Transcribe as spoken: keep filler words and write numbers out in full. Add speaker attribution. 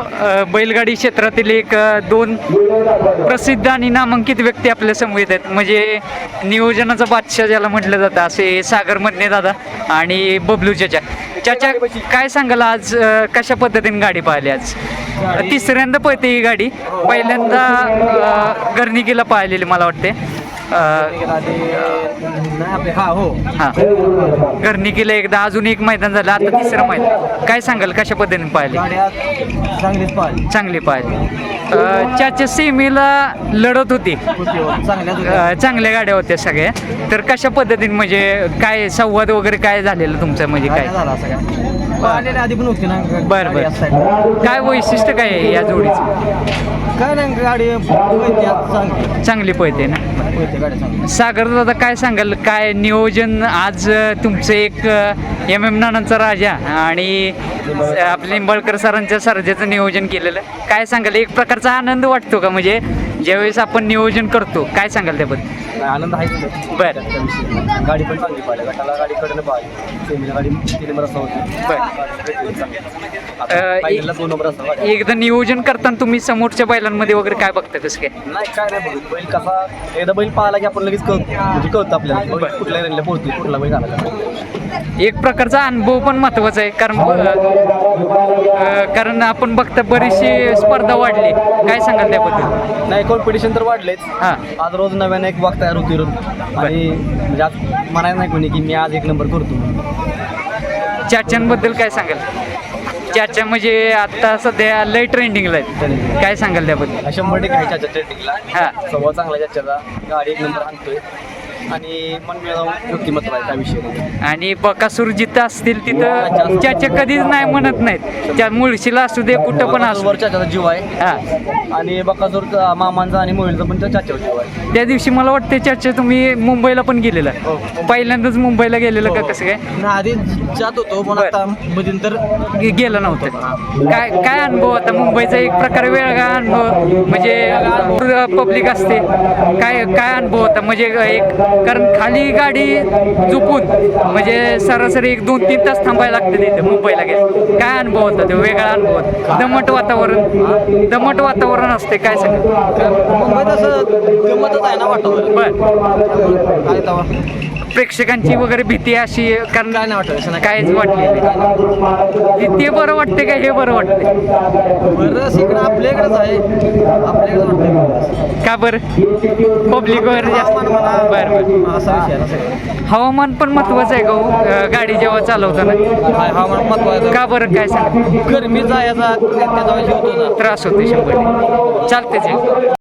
Speaker 1: अ, बैलगाडी क्षेत्रातील एक अ, दोन प्रसिद्ध आणि नामांकित व्यक्ती आपल्या समोर येत आहेत. म्हणजे नियोजनाचा बादशाह ज्याला म्हटलं जातं असे सागर मधने दादा आणि बबलू चाचा. चाचा काय सांगाल आज अ, कशा पद्धतीने गाडी पाहिली आज? तिसऱ्यांदा पळते ही गाडी, पहिल्यांदा अ, गर्निकीला पाहिलेली मला वाटते.
Speaker 2: हा हो
Speaker 1: हां गर्निकीला एकदा, अजून एक मैदान झालं, आता तिसरं मैदान. काय सांगाल कशा पद्धतीने पाहिली?
Speaker 2: चांगलीच पाहिली.
Speaker 1: चांगली पाहिली. चाच्या सेमीला लढत होती,
Speaker 2: चांगल्या
Speaker 1: अ, चांगल्या गाड्या होत्या सगळ्या. तर कशा पद्धतीने म्हणजे काय संवाद वगैरे काय झालेलं तुमचं, म्हणजे काय?
Speaker 2: झाला सगळ्या पाहिलेल्या आधी पण होती ना.
Speaker 1: बरं बरं. काय वैशिष्ट्य काय आहे या जोडीचं?
Speaker 2: काय नाही गाडी चांगली
Speaker 1: चांगली पळते ना.
Speaker 2: गाडी चांगली.
Speaker 1: सागर दादा काय सांगाल, काय नियोजन आज अ, तुमचं एक एम एम नानांचा राजा आणि आपले निंबाळकर सरांच्या सर्जाचं नियोजन केलेलं, काय सांगाल? एक प्रकारचा आनंद वाटतो का, म्हणजे ज्यावेळेस आपण नियोजन करतो, काय सांगाल त्याबद्दल?
Speaker 2: आनंद आहे.
Speaker 1: बरं
Speaker 2: गाडी पण चांगली पाहिली, गटाला गाडी कडनं पाहिली, सेमीला गाडी तीन नंबर असा होती.
Speaker 1: अ,
Speaker 2: दोन नंबर असा
Speaker 1: एकदा नियोजन करताना तुम्ही समोरच्या बैलांमध्ये वगैरे काय बघता, कसं काय?
Speaker 2: नाही काय नाही बघत. बैल कसा एकदा बैल पाहिला की आपण लगेच कळतो, म्हणजे कळतं आपल्याला बैल कुठल्या रेल्ला पोहोचतो, कुठला बैल आला.
Speaker 1: एक प्रकारचा अनुभव पण महत्त्वाचा आहे, कारण अ, कारण आपण बघता बरीचशी स्पर्धा वाढली, काय सांगाल त्याबद्दल?
Speaker 2: नाही कॉम्पिटिशन तर वाढलेच.
Speaker 1: हां
Speaker 2: आज रोज नव्याने एक वाग तयार होती रोज. आणि म्हणजे आज म्हणायचं नाही कोणी की मी आज एक नंबर करतो.
Speaker 1: चाच्यांबद्दल काय सांगाल? चाचा म्हणजे आता सध्या लय ट्रेंडिंगला आहेत, काय सांगाल त्याबद्दल?
Speaker 2: शंभर टक्के आहे चाचा ट्रेंडिंगला.
Speaker 1: हां
Speaker 2: स्वभाव चांगला आहे चाच्याचा, गाडी एक नंबर आणतोय आणि मन मिळवून व्यक्तिमत्व आहे, काय विषय नाही.
Speaker 1: आणि बकासूर जिथं असतील तिथं चाचा कधीच नाही म्हणत नाहीत. त्या मुळशीला असू दे, कुठं पण असू.
Speaker 2: वर चाचाचा जीव आहे.
Speaker 1: हां
Speaker 2: आणि बकासूर मामांचा आणि मोहिलचा पण त्या चाच्यावर जीव आहे.
Speaker 1: त्या दिवशी मला वाटते चाचा तुम्ही मुंबईला पण गेलेला, पहिल्यांदाच मुंबईला गेलेलं का, कसं काय?
Speaker 2: आधी जात होतो पण आता मध्यंतर
Speaker 1: गे- गेलं नव्हतं. काय काय अनुभव होता मुंबईचा? एक प्रकारे वेगळा अनुभव, म्हणजे पब्लिक असते, काय काय अनुभव होता? म्हणजे एक, कारण खाली गाडी झोपून म्हणजे सरासरी एक दोन तीन तास थांबायला लागते तिथे मुंबईला गेले. काय अनुभव होता? ते वेगळा अनुभव होता. दमट वातावरण, दमट वातावरण असते, काय सांग?
Speaker 2: मुंबईत असं गमतच आहे ना वाटतं.
Speaker 1: बर
Speaker 2: काय तवा
Speaker 1: प्रेक्षकांची वगैरे भीती अशी, कारण
Speaker 2: काय नाही वाटत असं नाही.
Speaker 1: काहीच वाटलेली नाही. ते बरं वाटते का हे बरं वाटते?
Speaker 2: बरं इकडं आपल्याकडेच आहे, आपल्याकडे वाटतं
Speaker 1: का बरं? पब्लिक वगैरे जास्त. बरं बरं.
Speaker 2: असा विषय आहे ना सगळं.
Speaker 1: हवामान पण महत्वाचं आहे का हो, अ, गाडी जेव्हा चालवताना?
Speaker 2: काय हवामान महत्वाचं.
Speaker 1: का बरं, काय सांग?
Speaker 2: गरमीचा याचा त्याचा होतो ना.
Speaker 1: त्रास होते शंभर टक्के. चालतेच आहे.